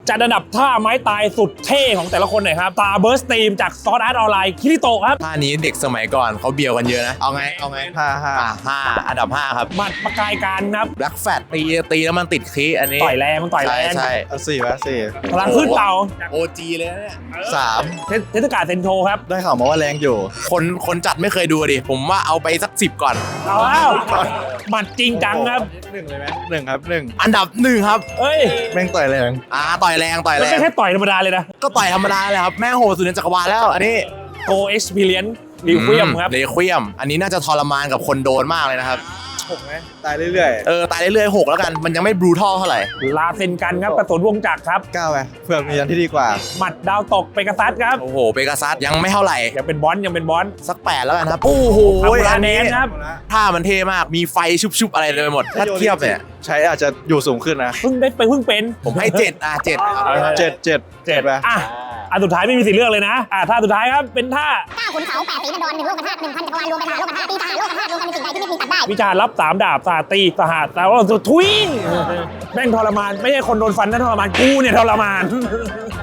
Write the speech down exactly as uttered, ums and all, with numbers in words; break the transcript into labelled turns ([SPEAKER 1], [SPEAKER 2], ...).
[SPEAKER 1] จัดอันดับท่าไม้ตายสุดเท่ของแต่ละคนหน่อยครับตาเบิร์สตีมจากซอสอาร์ตออนไลน์คิริโตะครับ
[SPEAKER 2] ท่านี้เด็กสมัยก่อนเขาเบียวกันเยอะนะเอาไงเอาไง
[SPEAKER 3] ห้าห้า
[SPEAKER 2] อ่ะห้าอันดับห้าครับ
[SPEAKER 1] หมัดประกายการครับ
[SPEAKER 2] แบล็กแฟตตีตีแล้วมันติดคีอันนี้
[SPEAKER 1] ต่อยแรงมันต่อยแร
[SPEAKER 2] ใช่
[SPEAKER 1] ง
[SPEAKER 2] ใช่
[SPEAKER 3] เอาสี่ไหมสี่
[SPEAKER 1] พลังขึ้นเต่า
[SPEAKER 2] โอจีเลยนะเนี่ย
[SPEAKER 3] สาม
[SPEAKER 1] เทเทศกาลเซนโชครับ
[SPEAKER 3] ได้ข่าวมาว่าแรงอยู่
[SPEAKER 2] คนคนจัดไม่เคยดูดิผมว่าเอาไปสักสิบก่อน
[SPEAKER 1] เอาแล้วหมัดจริงจังครับ
[SPEAKER 3] หนึ่งเลยไหมหนึ่งครับหนึ่ง
[SPEAKER 2] อันดับหนึ่งครับ
[SPEAKER 1] เอ้ย
[SPEAKER 3] แม่งต่อยแรง
[SPEAKER 2] อ่าต่อยแรงต่อย
[SPEAKER 1] มัน
[SPEAKER 2] แร
[SPEAKER 1] ไม่
[SPEAKER 2] ง
[SPEAKER 1] แค่ต่อยธรรมดาเลยนะ
[SPEAKER 2] ก็ต่อยธรรมดาเลยครับแม่งโหดสุดในจักรวาลแล้วอันนี้
[SPEAKER 1] โกเอ็กซ์เพรียนรีเวียมครับ
[SPEAKER 2] เรควียมอันนี้น่าจะทรมานกับคนโดนมากเลยนะครับ
[SPEAKER 3] หกไหมตายเรื่อย
[SPEAKER 2] เออตายเรื่อยๆหกแล้วกันมันยังไม่บรูทัลเท่าไหร่
[SPEAKER 1] ลาเซนกันครับกระสุนวงจักรครับ
[SPEAKER 3] ๆเก้าไหมเพื่อนมีอันที่ดีกว่า
[SPEAKER 1] หมัดดาวตกเปกัสซัสครับ
[SPEAKER 2] โอ้โหเปกาซัสยังไม่เท่าไหร่
[SPEAKER 1] ยังเป็นบอลยังเป็นบอล
[SPEAKER 2] สักแปดแล้วกันครับโอ้โห
[SPEAKER 1] อัมรา
[SPEAKER 2] อัน
[SPEAKER 1] แน
[SPEAKER 2] นี้
[SPEAKER 1] นครับ
[SPEAKER 2] ท่ามันเท่มากมีไฟชุบๆอะไรเลยไปหมดถ้าเทียบเนี่ย
[SPEAKER 3] ใช้อาจจะอยู่สูงขึ้นนะ
[SPEAKER 1] เพิ่งได้ไปเพิ่งเป็น
[SPEAKER 2] ผมให้เจ็ดอ่ะเจ็ด
[SPEAKER 3] เจ็ดเจ็ด
[SPEAKER 1] เจ็ด
[SPEAKER 3] ไป
[SPEAKER 1] อ่ะอันสุดท้ายไม่มีสิทธิ์เลือกเลยนะอ่ะท่าสุดท้ายครับเป็นท่า
[SPEAKER 4] เก้าขุนเขาแปดสีบันดรหนึ่งโลกธาตุหนึ่งพันจักรวาลรวมเป็นมหาโลกธาตุตีทหารโลกธาตุรวมกันเป็นสิ่งใดที่ไม่มีตัดได้
[SPEAKER 1] วิชารับสามดาบสาตีสหัสแต่ว่าสุดทุยแม่งทรมานไม่ใช่คนโดนฟันนั่นทรมานกูเนี่ยทรมาน